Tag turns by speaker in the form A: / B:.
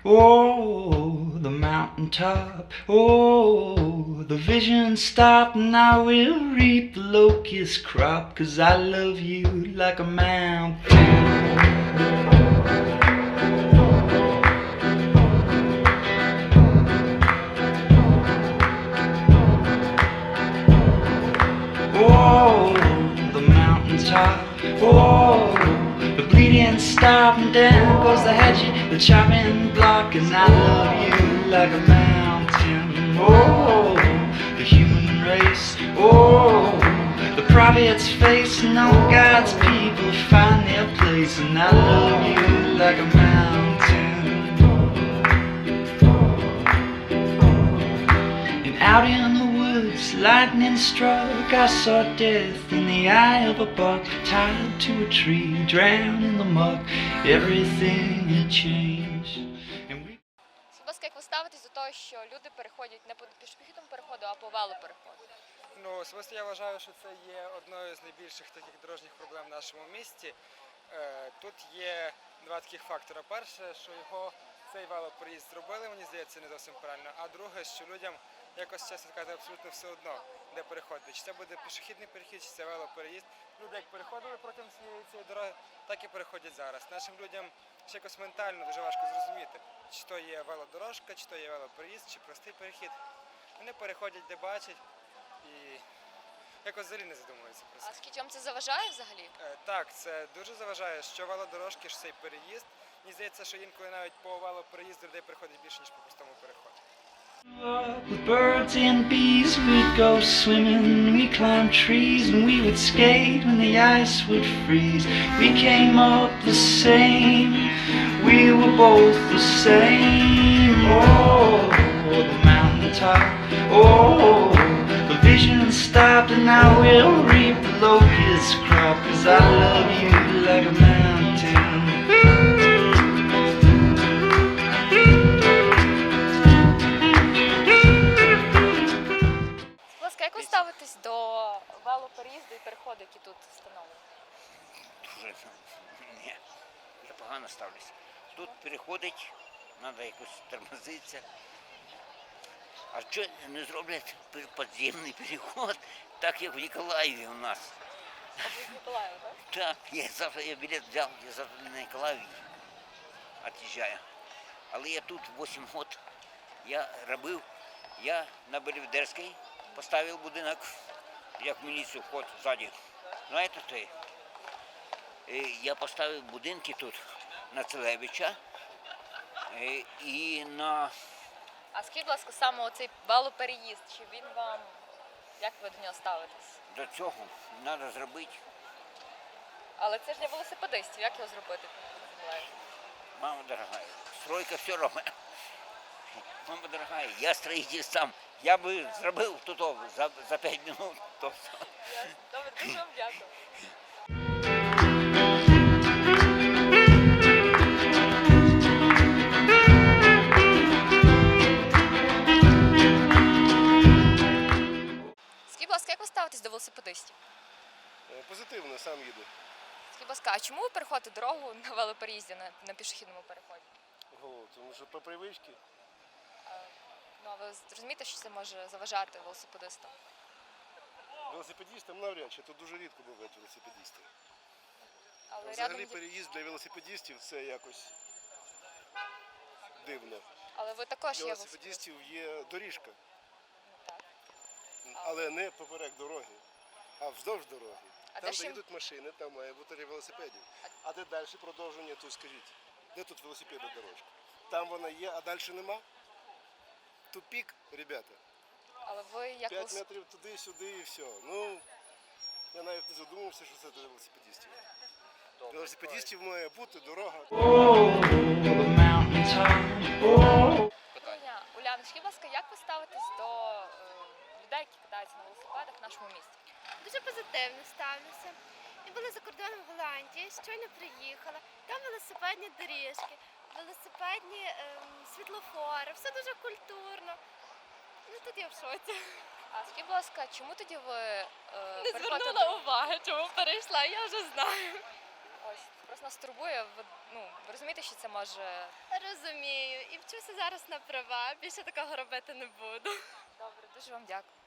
A: Oh, the mountaintop. Oh, the vision stopped, and I will reap the locust crop, 'cause I love you like a mountain. Oh, the mountaintop. Oh, the bleeding stop, and down goes the hedge, the chopping block, and I love you like a mountain. Oh, the human race. Oh, the prophet's face, and all God's people find their place, and I love you like a mountain. And out in the woods, lightning struck, I saw death in the eye of a buck, tied to a tree, drowned in the muck. Everything had changed. And we...
B: Будь ласка, як ви ставитесь до того, що люди переходять не по пішохідному переходу, а по велопереходу?
C: Ну, особисто я вважаю, що це є одною з найбільших таких дорожніх проблем в нашому місті. Тут є два таких фактори. Перше, що його цей велопереїзд зробили, мені здається, не зовсім правильно. А друге, що людям якось, чесно сказати, абсолютно все одно, де переходити. Чи це буде пішохідний перехід, чи це велопереїзд. Люди як переходили протягом цієї дороги, так і переходять зараз. Нашим людям ще якось ментально дуже важко зрозуміти, чи то є велодорожка, чи то є велопереїзд, чи простий перехід. Вони переходять, де бачать. І якось взагалі не задумується про це.
B: А скільки вам це заважає взагалі?
C: Так, це дуже заважає, що велодорожки, що цей переїзд. Мені здається, що інколи навіть по велопереїзду людей приходить більше, ніж по простому переходу.
A: With birds and bees, we'd go swimming, we climbed trees, and we would skate when the ice would freeze. We came up the same, we were both the same. Oh, the mountaintop. Oh, the vision stopped, and I will reap the locust crop, 'cause I love you like a mountain.
B: Будь ласка, як ви ставитесь до велопереїзду і переходу, які тут встановлені?
D: Дуже ні, я погано ставлюся. Тут переходить, треба якось тормозитися. А що не зроблять підземний переход, так як в Ніколаєві у нас?
B: А ви з Миколаєва, так?
D: Так, я білет взяв, я завтра на Ніколаєві від'їжджаю. Але я тут 8 років, я робив, я на Белівдерській поставив будинок, як в міліцію вход ззаді. Знаєте, той? Я поставив будинки тут на Целевича і на...
B: А скажіть, будь ласка, саме оцей велопереїзд, чи він вам, як ви до нього ставитесь?
D: До цього треба зробити.
B: Але це ж для велосипедистів, як його зробити?
D: Мама дорогая, стройка все робить. Мама дорогая, я строитель сам. Я би зробив тут за 5 хвилин.
B: Добре, дуже вам дякую. Скажіть, будь ласка, як ви ставитесь до велосипедистів?
E: Позитивно, сам їду.
B: Скажіть, будь ласка, а чому ви переходите дорогу на велопереїзді, на пішохідному переході?
E: Тому що по привичці.
B: Ну, а ви розумієте, що це може заважати велосипедистам?
E: Велосипедистам навряд чи, тут дуже рідко бувають велосипедисти.
B: Але
E: Взагалі
B: рядом...
E: переїзд для велосипедистів це якось дивно.
B: Але ви також
E: Для
B: є велосипедистом.
E: велосипедистів є доріжка,
B: Так.
E: але не поперек дороги, а вздовж дороги.
B: А
E: Там,
B: де ж
E: де
B: їм-
E: йдуть машини, там має бути для велосипедів. А де далі продовження, тут скажіть, де тут велосипедна дорожка? Там вона є, а далі нема? Тупік, ребята.
B: Але ви як
E: 5 метрів туди-сюди і все. Ну, я навіть не задумався, що це для велосипедистів. Для велосипедистів має бути дорога.
A: Oh, the mountaintop. Oh.
B: питання. Уляна, скажіть, будь ласка, як ви ставитесь до людей, які катаються на велосипедах в нашому місті?
F: Дуже позитивно ставлюся. Ми були за кордоном в Голландії, щойно приїхала. Там велосипедні доріжки, велосипедні світлофори, все дуже культурно. Ну тут я в шоці.
B: А скажіть, будь ласка, чому тоді ви
F: Не
B: переходите
F: звернула уваги, чому перейшла, я вже знаю.
B: Ось, просто нас турбує. Ви розумієте, що це може.
F: Розумію. І вчуся зараз на права. Більше такого робити не буду.
B: Добре, дуже вам дякую.